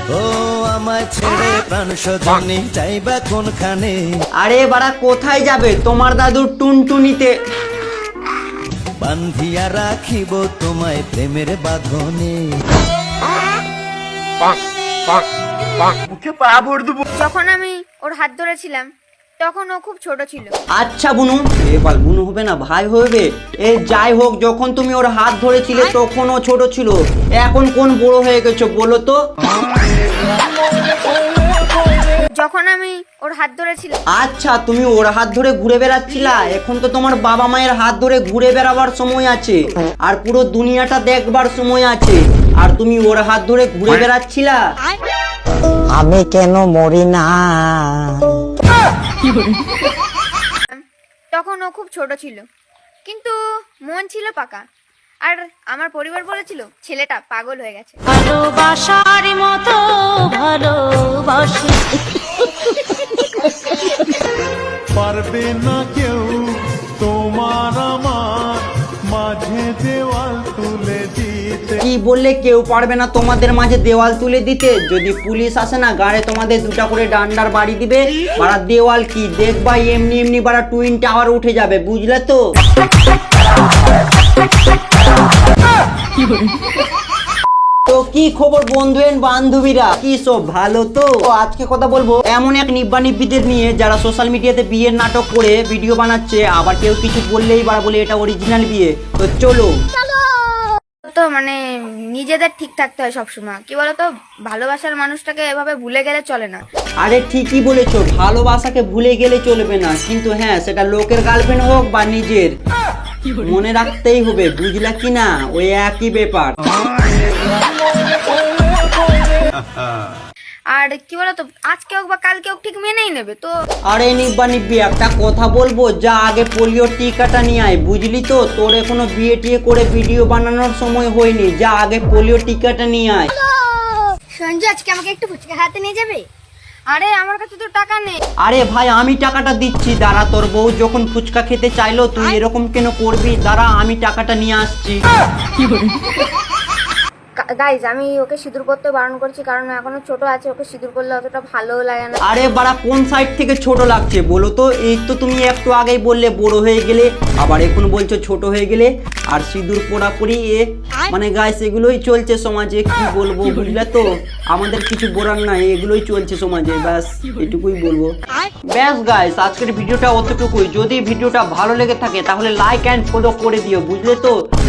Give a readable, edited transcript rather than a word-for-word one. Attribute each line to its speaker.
Speaker 1: ও আমায় ছেড়ে প্রাণ সজনী যাইবা কোনখানে?
Speaker 2: আরে বাড়া কোথায় যাবে? তোমার দাদুর টুনটুনিতে।
Speaker 1: বান্ধিয়া রাখিব তোমায় প্রেমের বাঁধনে।
Speaker 3: যখন আমি ওর হাত ধরেছিলাম তখন ও খুব ছোট ছিল।
Speaker 2: আচ্ছা বুনু, এবার বুনু হবে না ভাই হবে। যাই হোক, যখন তুমি ওর হাত ধরেছিলে তখন ও ছোট ছিল, এখন কোন বড় হয়ে গেছো বলো তো?
Speaker 3: যখন আমি ওর হাত ধরেছিলাম।
Speaker 2: আচ্ছা, তুমি ওর হাত ধরে ঘুরে বেড়াচ্ছিলা, এখন তো তোমার বাবা মায়ের হাত ধরে ঘুরে বেড়াবার সময় আছে, আর পুরো দুনিয়াটা দেখবার সময় আছে, আর তুমি ওর হাত ধরে ঘুরে বেড়াচ্ছিলা।
Speaker 4: আমি কেন মরি না?
Speaker 3: তখন ও খুব ছোট ছিল, কিন্তু মন ছিল পাকা। আর আমার পরিবার বলেছিল ছেলেটা পাগল হয়ে গেছে।
Speaker 5: ভালোবাসার মতো ভালোবাসি
Speaker 6: পারবে না কেউ তোমার আমার মাঝে দেওয়াল তুলে দিতে।
Speaker 2: কি বললে কেউ পারবে না তোমাদের মাঝে দেওয়াল তুলে দিতে? যদি পুলিশ আসে না, গাড়ে তোমাদের দুটা করে ডান্ডার বাড়ি দিবে। বাড়া দেওয়াল কি দেখবা, এমনি এমনি বাড়া টুইন টাওয়ার উঠে যাবে, বুঝলে তো? তো কি খবর বন্ধু এন্ড বান্ধবীরা, কি সব ভালো তো? আজকে কথা বলবো এমন এক নিব্বা নিব্বিদের নিয়ে যারা সোশ্যাল মিডিয়াতে বিয়ের নাটক করে ভিডিও বানাচ্ছে, আবার কেউ কিছু বললেই বাড়া বলে এটা অরিজিনাল বিয়ে। তো চলো।
Speaker 3: তো মানে নিজেদের ঠিক থাকতে হয় সবসময়। কি বলতো, ভালোবাসার মানুষটাকে এভাবে ভুলে গেলে চলে না।
Speaker 2: আরে ঠিকই বলেছো, ভালোবাসাকে ভুলে গেলে চলবে না, কিন্তু হ্যাঁ সেটা লোকের গার্লফ্রেন্ড হোক বা নিজের, মনে রাখতেই হবে, বুঝলা কি না? ওই একই ব্যাপার।
Speaker 3: আর কি বলতো, আজকে হোক বা কালকে হোক ঠিক মেনেই নেবে তো।
Speaker 2: আরে নিব্বা নিব্বি একটা কথা বলবো, যা আগে পোলিও টিকাটা নিয়ে আয়, বুঝলি তো? তোর এখনো বিয়ে টিয়ে করে ভিডিও বানানোর সময় হয়নি, যা আগে পোলিও টিকাটা নিয়ে আয়।
Speaker 3: সঞ্জু, আজকে আমাকে একটু ফুচকা হাতে নিয়ে যাবে? আরে আমার কাছে তো টাকা নেই।
Speaker 2: আরে ভাই আমি টাকাটা দিচ্ছি, দাঁড়া। তোর বউ যখন ফুচকা খেতে চাইলো তুই এরকম কেন করবি? দাঁড়া আমি টাকাটা নিয়ে আসছি।
Speaker 3: গাইজ, আমি ওকে সিঁদুর করতে বারণ করছি, কারণ ও এখনো ছোট আছে, ওকে সিঁদুর করলে অতটা ভালো লাগে না।
Speaker 2: আরে বাড়া কোন সাইড থেকে ছোট লাগছে বলো তো? এই তো তুমি একটু আগেই বললে বড় হয়ে গেলে, আবার এখন বলছো ছোট হয়ে গেলে। আর সিঁদুর পোড়াপুরি মানে গাইস এগুলোই চলছে সমাজে, কি বলবো বুঝলে তো? আমাদের কিছু বলার নাই, এগুলোই চলছে সমাজে, ব্যাস এটুকুই বলবো। ব্যাস গাইস, আজকের ভিডিওটা অতটুকুই। যদি ভিডিওটা ভালো লেগে থাকে তাহলে লাইক অ্যান্ড ফলো করে দিও, বুঝলে তো?